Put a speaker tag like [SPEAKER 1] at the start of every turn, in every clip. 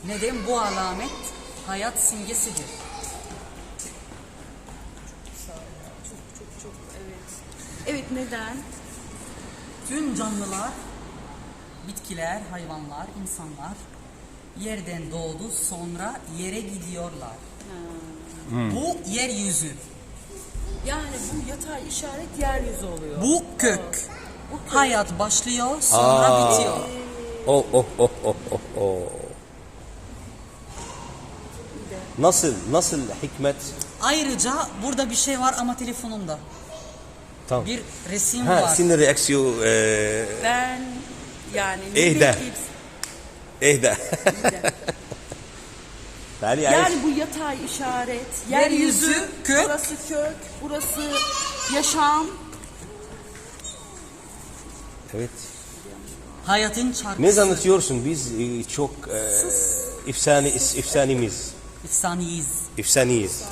[SPEAKER 1] Neden? Bu alamet hayat simgesidir.
[SPEAKER 2] Çok evet. Evet, neden?
[SPEAKER 1] Tüm canlılar, bitkiler, hayvanlar, insanlar yerden doğdu, sonra yere gidiyorlar. Bu yeryüzü.
[SPEAKER 2] Yani bu yatay işaret yeryüzü oluyor.
[SPEAKER 1] Bu kök. Hayat başlıyor, sonra bitiyor.
[SPEAKER 3] Nasıl hikmet?
[SPEAKER 1] Ayrıca burada bir şey var ama telefonumda.
[SPEAKER 3] Tamam.
[SPEAKER 1] Bir resim
[SPEAKER 3] Ha,
[SPEAKER 1] var.
[SPEAKER 3] senin reaksiyon
[SPEAKER 2] Ben yani
[SPEAKER 3] İhda. İhda.
[SPEAKER 2] Yani bu yatay işaret,
[SPEAKER 1] Yeryüzü, kök.
[SPEAKER 2] burası kök, burası yaşam.
[SPEAKER 3] Evet.
[SPEAKER 1] Hayatın çarpısı.
[SPEAKER 3] Ne anlatıyorsun? Biz çok efsanemiz.
[SPEAKER 1] Efsaneyiz.
[SPEAKER 3] Efsaneyiz.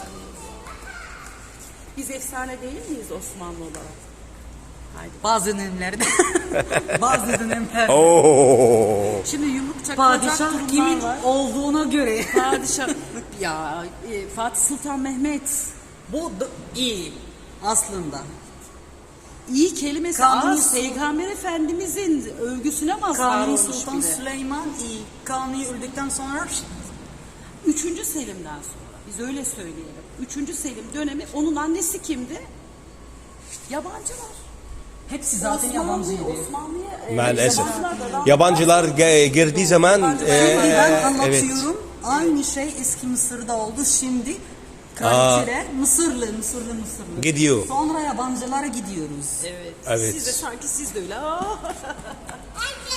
[SPEAKER 2] Biz efsane değil miyiz Osmanlı olarak? Haydi.
[SPEAKER 1] Bazı dönemlerde. Bazı dönemlerde.
[SPEAKER 3] Oo.
[SPEAKER 2] Şimdi yumruk çakılacak
[SPEAKER 1] Padişah
[SPEAKER 2] durumlar
[SPEAKER 1] kimin
[SPEAKER 2] var.
[SPEAKER 1] olduğuna göre.
[SPEAKER 2] Padişah ya Fatih Sultan Mehmet.
[SPEAKER 1] Bu iyi aslında.
[SPEAKER 2] İyi kelimesi
[SPEAKER 1] Kanuni
[SPEAKER 2] az. Peygamber Efendimizin övgüsüne mazhar
[SPEAKER 1] Kanuni
[SPEAKER 2] olmuş
[SPEAKER 1] Sultan
[SPEAKER 2] bir de.
[SPEAKER 1] Süleyman iyi. Kanuni öldükten sonra
[SPEAKER 2] 3. Selim'den sonra. Biz öyle söyleyelim. 3. Selim dönemi, onun annesi kimdi? Yabancılar.
[SPEAKER 1] hepsi zaten yabancıydı.
[SPEAKER 2] Osmanlı'ya
[SPEAKER 3] Maalesef.
[SPEAKER 2] yabancılar da-
[SPEAKER 3] Yabancılar girdiği zaman
[SPEAKER 1] Şimdi ben
[SPEAKER 3] evet.
[SPEAKER 1] anlatıyorum. Aynı şey eski Mısır'da oldu. Şimdi kraliçeler Mısırlı.
[SPEAKER 3] Gidiyor.
[SPEAKER 1] Sonra yabancılara gidiyoruz.
[SPEAKER 2] Evet.
[SPEAKER 3] Evet.
[SPEAKER 2] Siz de sanki siz de öyle. Aa!